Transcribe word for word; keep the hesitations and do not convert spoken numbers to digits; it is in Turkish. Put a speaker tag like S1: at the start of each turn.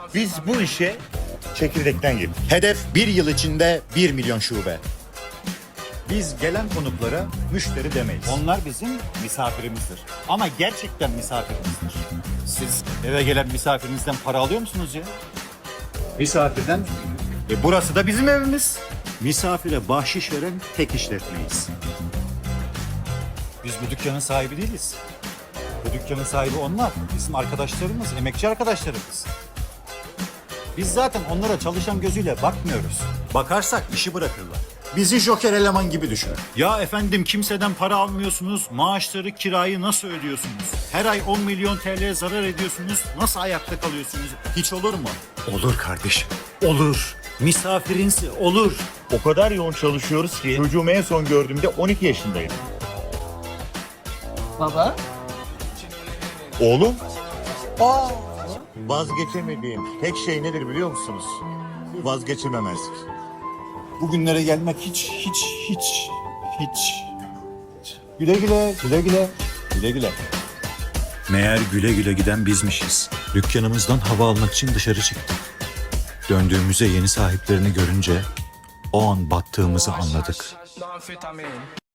S1: Biz bu işe çekirdekten girdik.
S2: Hedef bir yıl içinde bir milyon şube.
S1: Biz gelen konuklara müşteri demeyiz. Onlar bizim misafirimizdir. Ama gerçekten misafirimizdir. Siz eve gelen misafirinizden para alıyor musunuz ya? Misafirden. E burası da bizim evimiz. Misafire bahşiş veren tek işletmeyiz. Biz bu dükkanın sahibi değiliz. Bu dükkanın sahibi onlar. Bizim arkadaşlarımız, emekçi arkadaşlarımız. Biz zaten onlara çalışan gözüyle bakmıyoruz. Bakarsak işi bırakırlar.
S2: Bizi joker eleman gibi düşünün.
S1: Ya efendim kimseden para almıyorsunuz, maaşları, kirayı nasıl ödüyorsunuz? Her ay on milyon T L zarar ediyorsunuz, nasıl ayakta kalıyorsunuz? Hiç olur mu? Olur kardeşim, olur. Misafirinsi olur.
S3: O kadar yoğun çalışıyoruz ki çocuğumu en son gördüğümde on iki yaşındaydım.
S4: Baba.
S3: Oğlum? Aa! Vazgeçemediğim tek şey nedir biliyor musunuz? Vazgeçememezlik.
S1: Bugünlere gelmek hiç, hiç, hiç, hiç. Güle güle, güle güle, güle güle. Meğer güle güle giden bizmişiz. Dükkanımızdan hava almak için dışarı çıktık. Döndüğümüzde yeni sahiplerini görünce o an battığımızı anladık.